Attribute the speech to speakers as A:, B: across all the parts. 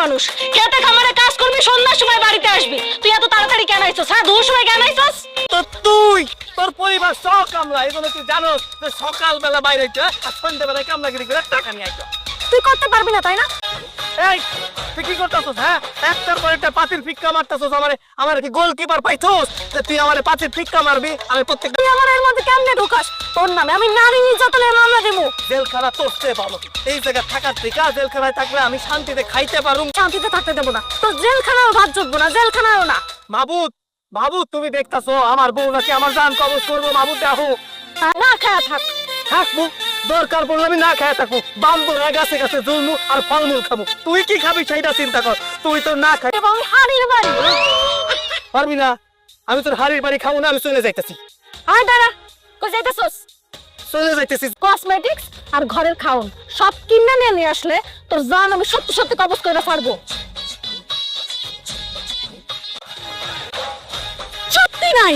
A: মানুষ, খেতে খামারে কাজ করবি, সন্ধ্যার সময় বাড়িতে আসবি। তুই এত তাড়াতাড়ি কেন আইছস? হ্যাঁ, দুপুর সময় কেন আইছস?
B: তো তুই তোর পরিবার সব কামলা, এগুলো তুই জানোস যে সকালবেলা বাইরে যা আর সন্ধ্যাবেলায় কামলাগিরি করে টাকা নিয়ে আইতো।
A: তুই করতে পারবি না, তাই না?
B: এই তুই কি করতেছস? হ্যাঁ, একটার পর একটা পাতিল ফিক্কা মারতেছস। আমার কি গোলকিপার পাইছস যে তুই আমারে পাতিল ফিক্কা মারবি? আমি প্রত্যেকটা
A: তুই আমার এর মধ্যে কেমনে ঢোকাস? তোর নামে আমি নারী নির্যাতনের মামলা দেবো।
B: জেলখানা তোরতে ভালো। এই জায়গা থাকার থেকে জেলখানায় থাকলে আমি শান্তিতে খাইতে পারুম।
A: শান্তিতে থাকতে দেবো না, তোর জেলখানাও ভাত জুটবো না, জেলখানাও না।
B: মাবুদ, মাবুদ তুমি দেখতাছো আমার বউ নাকি আমার জান কবজ করবো? মাবুদ দেখো,
A: না খায়া থাক।
B: থাকবো, দরকার পড়লে আমি না খেয়ে থাকবো, বাম্বরা গাছে গাছে জলমু আর ফলমূল খাবো। তুই কি খাবি সেইটা চিন্তা কর। তুই তো না খাই
A: এবং হাড়ির বাড়ি।
B: পারবি না। আমি তোর হাড়ির বাড়ি খাবো না, আমি চলে যাইতেছি।
A: আয় দাঁড়া, কই যাইতেছস?
B: চলে যাইতেছি।
A: কসমেটিক্স আর ঘরের খাওন সব কিনে নিয়ে আসলে তোর জান আমি সত্যি সত্যি কবজ করে পারবো। সত্যি নাই।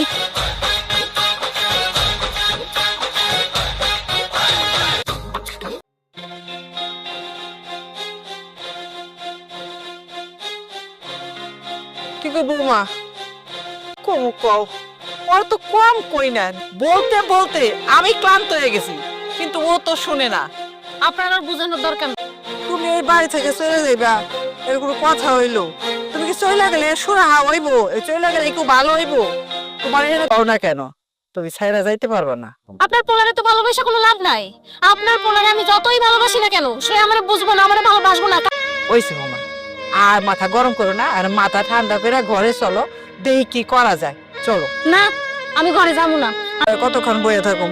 C: কি গো বৌমা, কম কও, ওর তো কম কই না। বলতে বলতে আমি ক্লান্ত হয়ে গেছি, কিন্তু ও তো শুনে না।
A: আপনার আর বোঝানোর দরকার নেই।
C: তুমি এই বাড়ি থেকে চলে যাইবা, এর কোনো কথা হইলো? তুমি কি চলে গেলে সুরা হইব? চলে গেলে একটু ভালো হইব? তোমার এখানে কও না কেন? তুমি ছাইরা যাইতে পারবা না।
A: আপনার পোলারে তো ভালোবাসা কোনো লাভ নাই। আপনার পোলারে আমি যতই ভালোবাসি না কেন, সে আমার বুঝবো না, আমার ভালোবাসবো না।
C: ওইসে বৌমা, আর মাথা গরম করো না, আর মাথা ঠান্ডা করে ঘরে চলো, দেখি কি করা যায়। চলো।
A: না, আমি ঘরে যাবো না।
C: আর কতক্ষণ বইয়ে থাকুম?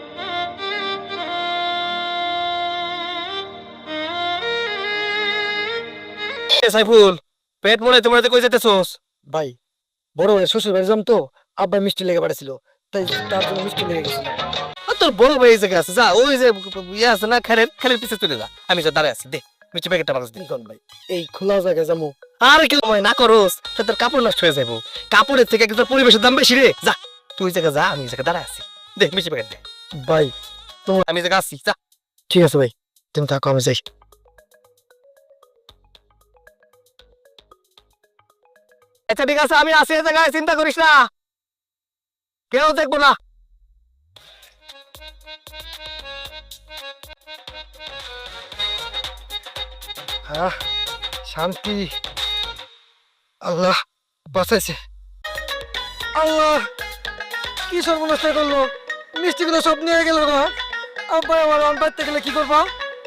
B: সাইফুল, পেট মনে তোমার কই যেতেছস?
D: ভাই, বড় ভাই শ্বশুর বাড়ি যাম তো, আব্বা মিষ্টি লেগে পাঠাছিল, তাই তার জন্য মিষ্টি লেগে গেছিল।
B: তোর বড় ভাই এই জায়গায় আছে, যা ওই যে ইয়ে আছে না, খেলের পিছে চলে যা। আমি যা দাঁড়ায় আছি, দে মিষ্টি প্যাকেটটা বাগাস দে।
D: কোন ভাই, এই খোলা জায়গায় যাবো?
B: আর কেউ না করস, তোর কাপড় নষ্ট হয়ে যাবো। কাপড়ের থেকে তোর পরিবেশের দাম বেশি রে। যা তুই জায়গা যা, আমি জায়গায় দাঁড়ায় আছি, দে মিষ্টি প্যাকেট দে।
D: ভাই
B: আমি জায়গা আছি, যা।
D: ঠিক আছে ভাই, তুমি থাকো, আমি যাই।
B: আচ্ছা ঠিক আছে, আমি আছি এই জায়গায়, চিন্তা করিস না, কেউ দেখবো না।
D: হ্যাঁ, শান্তি। আল্লাহ বাঁচাইছে। আল্লাহ, কি সর্বনাশ করলো? মিষ্টিগুলো সব নিয়ে গেল গো। আব্বা আমার অন পাইতে গেলে কি করবো?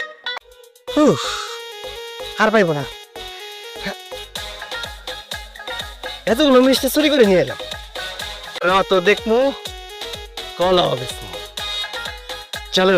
B: আর পাইবো না, এতগুলো মিষ্টি চুরি করে নিয়ে এলাম। তো দেখমু কলা হবে। চলো,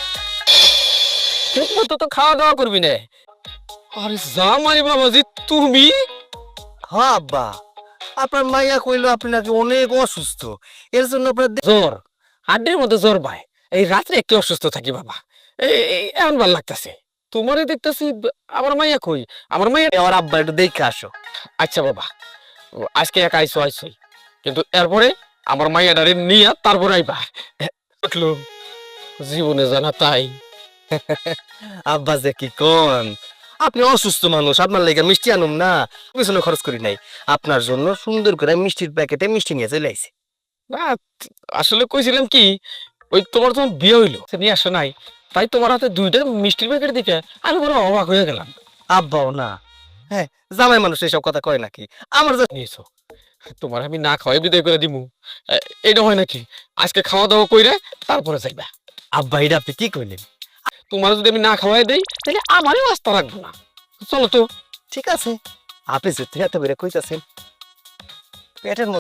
B: ঠিক মতো তো খাওয়া দাওয়া করবি না।
D: আরে জামাই বাবাজি, তুমি?
B: হ্যাঁ আব্বা, আপনার মাইয়া কইলো আপনি নাকি অনেক অসুস্থ, এর জন্য আপনার
E: জ্বর, হাড্ডির মধ্যে জ্বর পায়। এই রাত্রে একটু অসুস্থ থাকি বাবা, এমন ভাল লাগতেছে। তোমারে দেখতেছি, আমার মাইয়া কই? আমার মাইয়া।
B: আমার আব্বা একটু দেখে আসো।
E: আচ্ছা বাবা, আজকে একা আইসো, কিন্তু এরপরে আমার মাইয়াটারে নিয়ে তারপরে আইবা। উঠলো জীবনে জানা তাই।
B: আব্বা যে কি কোন, আপনি অসুস্থ মানুষ, আপনার লেগে মিষ্টি আনুম না, পিছনে খরচ করি নাই। আপনার জন্য সুন্দর করে মিষ্টির প্যাকেটে মিষ্টি নিয়ে চলে আইছে।
E: না, আসলে কইছিলাম কি, ওই তোমার যখন বিয়ে হইলো নিয়ে আসো নাই, তাই তোমার হাতে দুইটা মিষ্টির প্যাকেট দিকে আমি বড় অবাক হয়ে গেলাম।
B: আব্বাও না, হ্যাঁ জামাই মানুষ এসব কথা কয় নাকি? আমার যে
E: নিয়েছো, তোমার আমি না খাওয়াই বিদায় করে দিমু, এটা হয় নাকি? আজকে খাওয়া দাওয়া কইরে তারপরে যাইবা।
B: আব্বা এটা আপনি কি কইলেন?
E: তোমার যদি আমি না খাওয়াই দেই তাহলে আমারও আস্থা রাখবো না। চলো তো।
B: ঠিক আছে, আপনি যেতে এত বেড়ে কইতাছেন, পেটের